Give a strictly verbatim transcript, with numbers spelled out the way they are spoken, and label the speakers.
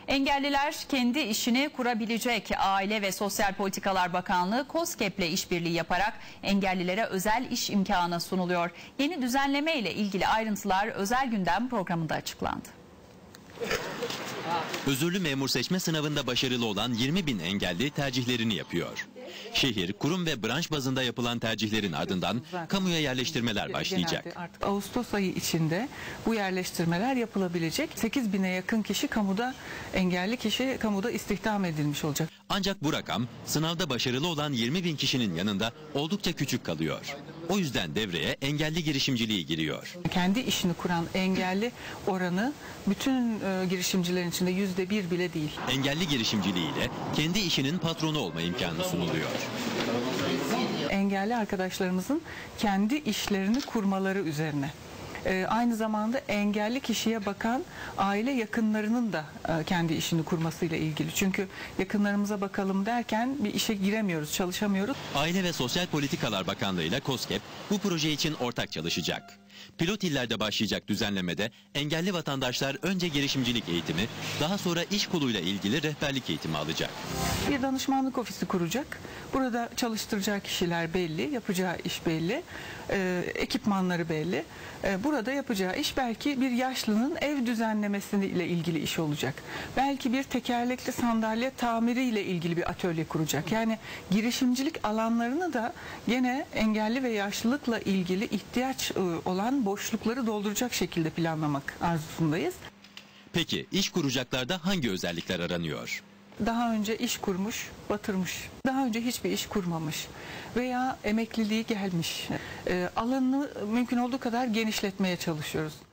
Speaker 1: Engelliler kendi işini kurabilecek. Aile ve Sosyal Politikalar Bakanlığı KOSGEB'le işbirliği yaparak engellilere özel iş imkanı sunuluyor. Yeni düzenleme ile ilgili ayrıntılar Özel Gündem programında açıklandı.
Speaker 2: Özürlü memur seçme sınavında başarılı olan yirmi bin engelli tercihlerini yapıyor. Şehir, kurum ve branş bazında yapılan tercihlerin ardından kamuya yerleştirmeler başlayacak.
Speaker 3: Artık Ağustos ayı içinde bu yerleştirmeler yapılabilecek. sekiz bine yakın kişi kamuda, engelli kişi kamuda istihdam edilmiş olacak.
Speaker 2: Ancak bu rakam sınavda başarılı olan yirmi bin kişinin yanında oldukça küçük kalıyor. O yüzden devreye engelli girişimciliği giriyor.
Speaker 3: Kendi işini kuran engelli oranı bütün e, girişimcilerin içinde yüzde bir bile değil.
Speaker 2: Engelli girişimciliğiyle kendi işinin patronu olma imkanı sunuluyor.
Speaker 3: Engelli arkadaşlarımızın kendi işlerini kurmaları üzerine. Ee, aynı zamanda engelli kişiye bakan aile yakınlarının da e, kendi işini kurmasıyla ilgili. Çünkü yakınlarımıza bakalım derken bir işe giremiyoruz, çalışamıyoruz.
Speaker 2: Aile ve Sosyal Politikalar Bakanlığı ile KOSGEB bu proje için ortak çalışacak. Pilot illerde başlayacak düzenlemede engelli vatandaşlar önce girişimcilik eğitimi, daha sonra iş koluyla ilgili rehberlik eğitimi alacak.
Speaker 3: Bir danışmanlık ofisi kuracak. Burada çalıştıracağı kişiler belli, yapacağı iş belli, e, ekipmanları belli. E, burada yapacağı iş belki bir yaşlının ev düzenlemesiyle ilgili iş olacak. Belki bir tekerlekli sandalye tamiriyle ilgili bir atölye kuracak. Yani girişimcilik alanlarını da gene engelli ve yaşlılıkla ilgili ihtiyaç e, olan boşlukları dolduracak şekilde planlamak arzusundayız.
Speaker 2: Peki iş kuracaklarda hangi özellikler aranıyor?
Speaker 3: Daha önce iş kurmuş, batırmış. Daha önce hiçbir iş kurmamış veya emekliliği gelmiş. E, alanını mümkün olduğu kadar genişletmeye çalışıyoruz.